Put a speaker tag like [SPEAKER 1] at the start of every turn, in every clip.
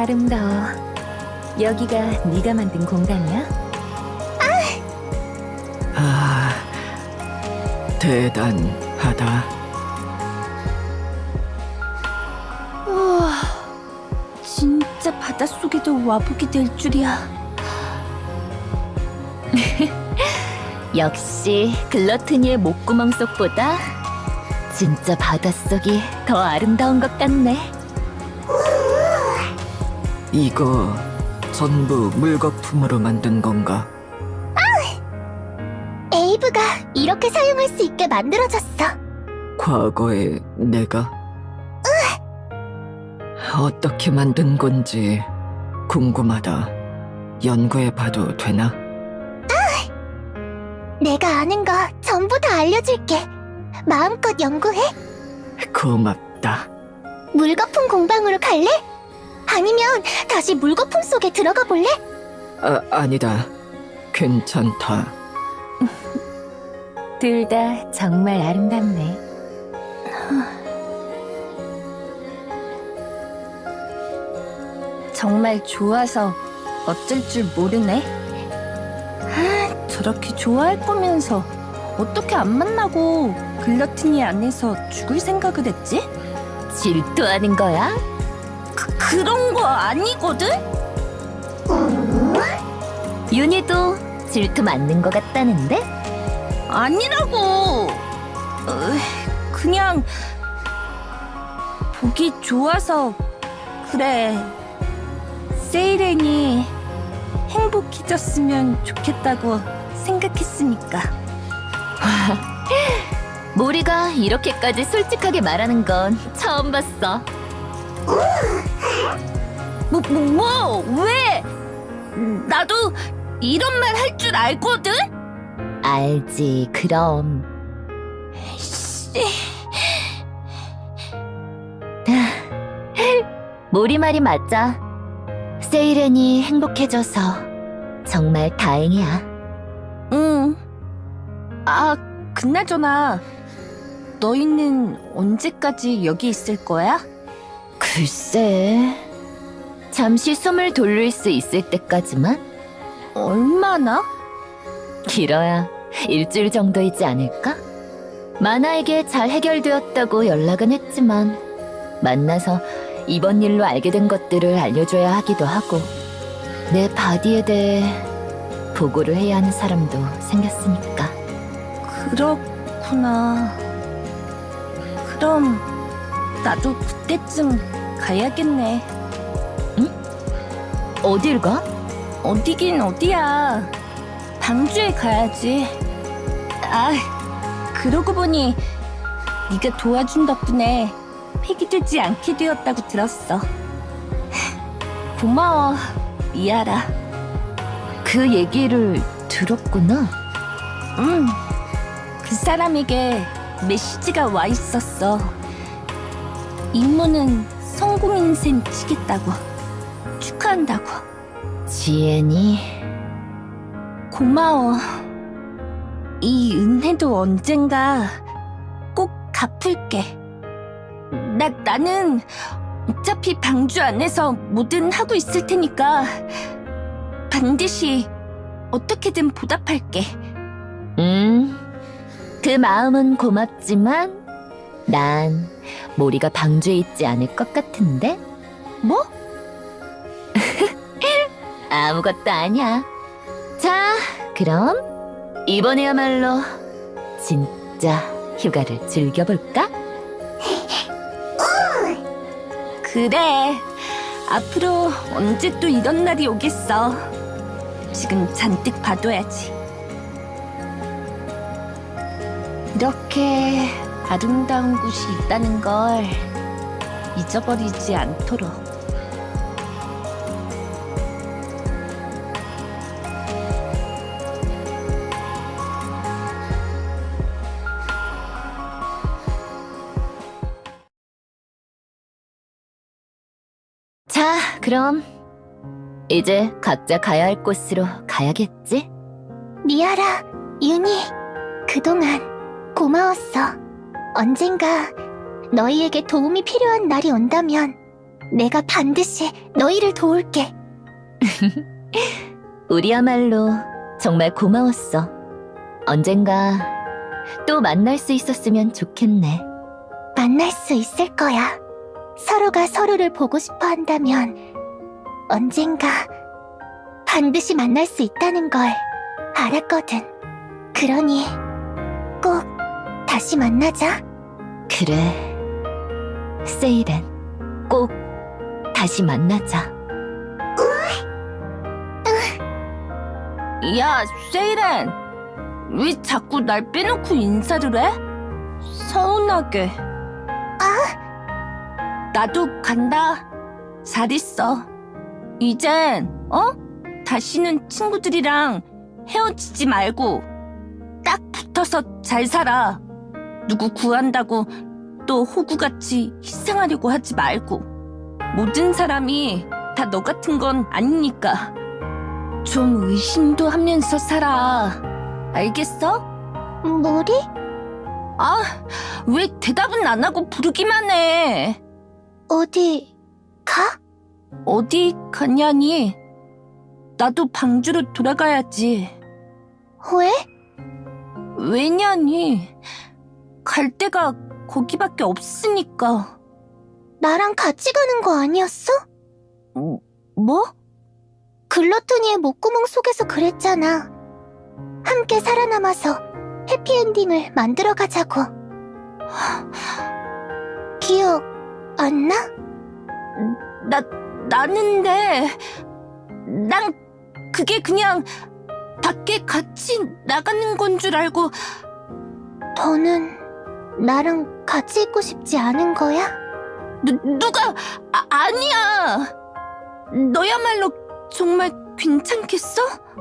[SPEAKER 1] 아름다워. 여기가 네가 만든 공간이야?
[SPEAKER 2] 아, 대단하다.
[SPEAKER 1] 우와, 진짜 바닷속에도 와보게 될 줄이야. 역시 글러트니의 목구멍 속보다 진짜 바닷속이 더 아름다운 것 같네.
[SPEAKER 2] 이거 전부 물거품으로 만든 건가?
[SPEAKER 3] 에이브가 이렇게 사용할 수 있게 만들어졌어.
[SPEAKER 2] 과거에 내가? 어떻게 만든 건지 궁금하다. 연구해봐도 되나?
[SPEAKER 3] 내가 아는 거 전부 다 알려줄게. 마음껏 연구해.
[SPEAKER 2] 고맙다.
[SPEAKER 3] 물거품 공방으로 갈래? 아니면 다시 물거품 속에 들어가 볼래?
[SPEAKER 2] 아니다. 괜찮다.
[SPEAKER 1] 둘 다 정말 아름답네. 정말 좋아서 어쩔 줄 모르네. 저렇게 좋아할 거면서 어떻게 안 만나고 글러티니 안에서 죽을 생각을 했지? 질투하는 거야? 그런 거 아니거든? 윤희도 질투 맞는 거 같다는데? 아니라고! 그냥 보기 좋아서 그래. 세이렌이 행복해졌으면 좋겠다고 생각했으니까. 모리가 이렇게까지 솔직하게 말하는 건 처음 봤어. 왜? 나도 이런 말 할 줄 알거든? 알지, 그럼. 모리 말이 맞아. 세이렌이 행복해져서 정말 다행이야. 응. 그나저나 너희는 언제까지 여기 있을 거야? 글쎄, 잠시 숨을 돌릴 수 있을 때까지만? 얼마나? 길어야 일주일 정도이지 않을까? 마나에게 잘 해결되었다고 연락은 했지만 만나서 이번 일로 알게 된 것들을 알려줘야 하기도 하고 내 바디에 대해 보고를 해야 하는 사람도 생겼으니까. 그렇구나. 그럼 나도 그때쯤 가야겠네. 응? 어딜 가? 어디긴 어디야. 방주에 가야지. 그러고 보니 네가 도와준 덕분에 폐기되지 않게 되었다고 들었어. 고마워, 미아라. 그 얘기를 들었구나. 응. 그 사람에게 메시지가 와 있었어. 임무는 성공인 셈 치겠다고. 축하한다고. 지엔이 고마워. 이 은혜도 언젠가 꼭 갚을게. 나는 어차피 방주 안에서 뭐든 하고 있을 테니까 반드시 어떻게든 보답할게. 그 마음은 고맙지만 난 모리가 방주에 있지 않을 것 같은데? 뭐? 아무것도 아니야. 자, 그럼 이번에야말로 진짜 휴가를 즐겨볼까? 그래. 앞으로 언제 또 이런 날이 오겠어. 지금 잔뜩 봐둬야지. 이렇게 아름다운 곳이 있다는 걸 잊어버리지 않도록. 자, 그럼 이제 각자 가야 할 곳으로 가야겠지?
[SPEAKER 3] 미아라, 윤희, 그동안 고마웠어. 언젠가 너희에게 도움이 필요한 날이 온다면 내가 반드시 너희를 도울게.
[SPEAKER 1] 우리야말로 정말 고마웠어. 언젠가 또 만날 수 있었으면 좋겠네.
[SPEAKER 3] 만날 수 있을 거야. 서로가 서로를 보고 싶어 한다면 언젠가 반드시 만날 수 있다는 걸 알았거든. 그러니 꼭 다시 만나자.
[SPEAKER 1] 그래. 세이렌, 꼭 다시 만나자. 야, 세이렌. 왜 자꾸 날 빼놓고 인사를 해? 서운하게. 나도 간다. 잘 있어. 이젠, 다시는 친구들이랑 헤어지지 말고 딱 붙어서 잘 살아. 누구 구한다고 또 호구같이 희생하려고 하지 말고. 모든 사람이 다 너 같은 건 아니니까. 좀 의심도 하면서 살아. 알겠어?
[SPEAKER 3] 뭐리?
[SPEAKER 1] 아, 왜 대답은 안 하고 부르기만 해?
[SPEAKER 3] 어디 가?
[SPEAKER 1] 어디 가냐니? 나도 방주로 돌아가야지.
[SPEAKER 3] 왜?
[SPEAKER 1] 왜냐니? 갈 데가 거기밖에 없으니까.
[SPEAKER 3] 나랑 같이 가는 거 아니었어?
[SPEAKER 1] 뭐?
[SPEAKER 3] 글러토니의 목구멍 속에서 그랬잖아. 함께 살아남아서 해피엔딩을 만들어 가자고. 기억 안 나? 나는데 난 그게 그냥 밖에 같이 나가는 건 줄 알고. 너는 나랑 같이 있고 싶지 않은 거야?
[SPEAKER 1] 누가 아니야. 너야말로 정말 괜찮겠어?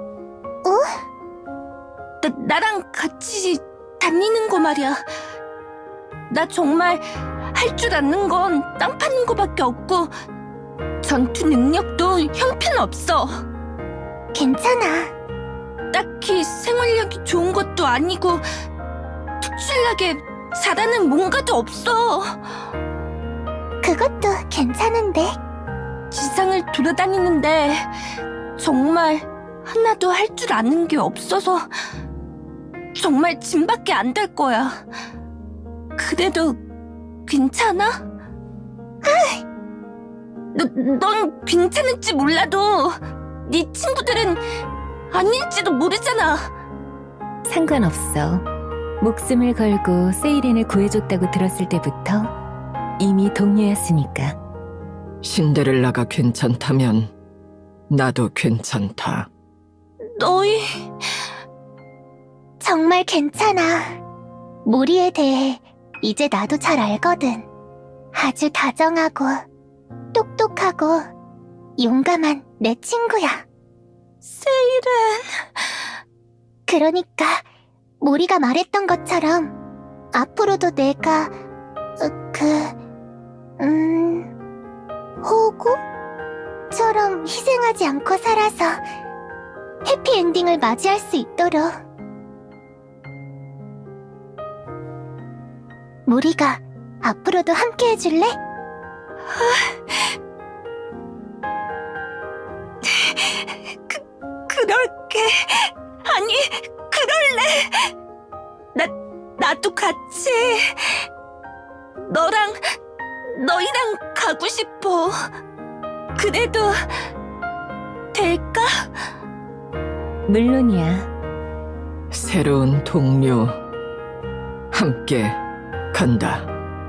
[SPEAKER 1] 나랑 같이 다니는 거 말이야. 나 정말 할 줄 아는 건 땅 파는 거밖에 없고 전투 능력도 형편없어.
[SPEAKER 3] 괜찮아.
[SPEAKER 1] 딱히 생활력이 좋은 것도 아니고 특출나게 잘하는 뭔가도 없어.
[SPEAKER 3] 그것도 괜찮은데.
[SPEAKER 1] 지상을 돌아다니는데 정말 하나도 할 줄 아는 게 없어서 정말 짐밖에 안 될 거야. 그래도 괜찮아? 넌 괜찮을지 몰라도 네 친구들은 아닐지도 모르잖아.
[SPEAKER 4] 상관없어. 목숨을 걸고 세이렌을 구해줬다고 들었을 때부터 이미 동료였으니까.
[SPEAKER 2] 신데렐라가 괜찮다면 나도 괜찮다.
[SPEAKER 1] 너희
[SPEAKER 3] 정말 괜찮아. 모리에 대해 이제 나도 잘 알거든. 아주 다정하고 똑똑하고 용감한 내 친구야.
[SPEAKER 1] 세이렌.
[SPEAKER 3] 그러니까 모리가 말했던 것처럼 앞으로도 내가 호구처럼 희생하지 않고 살아서 해피엔딩을 맞이할 수 있도록. 모리가 앞으로도 함께 해줄래?
[SPEAKER 1] 그럴게. 아니, 그럴래. 나도 같이 너희랑 가고 싶어. 그래도 될까?
[SPEAKER 4] 물론이야.
[SPEAKER 2] 새로운 동료 함께 간다.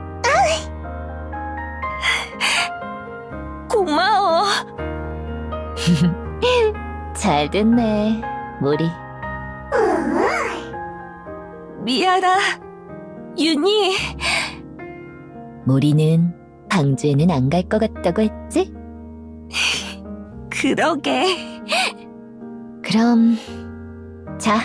[SPEAKER 1] 고마워.
[SPEAKER 4] 잘 됐네, 모리.
[SPEAKER 1] 미아라, 윤희.
[SPEAKER 4] 모리는 방주에는 안 갈 것 같다고 했지?
[SPEAKER 1] 그러게.
[SPEAKER 4] 그럼 자,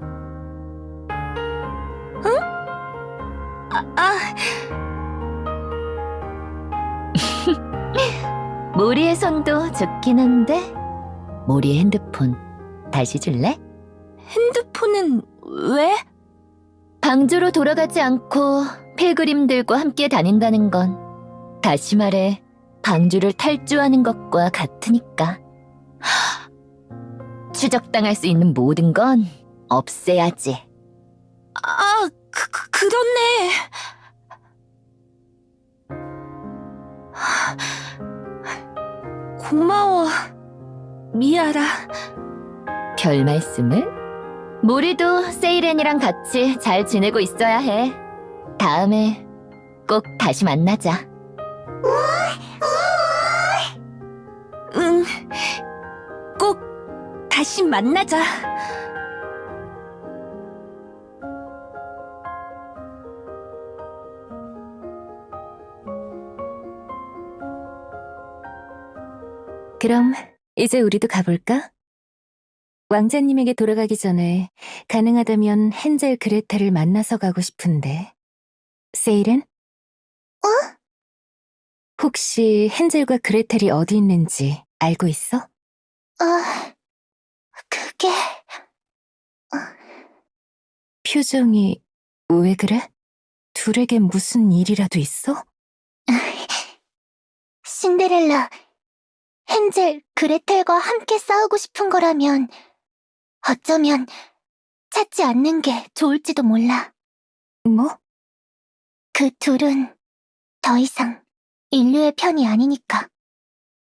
[SPEAKER 4] 모리의 손도 좋긴 한데 모리의 핸드폰 다시 줄래?
[SPEAKER 1] 핸드폰은 왜?
[SPEAKER 4] 방주로 돌아가지 않고 필그림들과 함께 다닌다는 건, 다시 말해 방주를 탈주하는 것과 같으니까. 추적당할 수 있는 모든 건 없애야지.
[SPEAKER 1] 아, 그렇네. 고마워, 미아라.
[SPEAKER 4] 별 말씀을? 모리도 세이렌이랑 같이 잘 지내고 있어야 해. 다음에 꼭 다시 만나자.
[SPEAKER 1] 응, 꼭 다시 만나자.
[SPEAKER 5] 그럼 이제 우리도 가볼까? 왕자님에게 돌아가기 전에 가능하다면 헨젤 그레텔을 만나서 가고 싶은데. 세일은? 혹시 헨젤과 그레텔이 어디 있는지 알고 있어?
[SPEAKER 3] 그게...
[SPEAKER 5] 표정이 왜 그래? 둘에게 무슨 일이라도 있어?
[SPEAKER 3] 신데렐라, 헨젤, 그레텔과 함께 싸우고 싶은 거라면 어쩌면 찾지 않는 게 좋을지도 몰라.
[SPEAKER 5] 뭐?
[SPEAKER 3] 그 둘은 더 이상 인류의 편이 아니니까.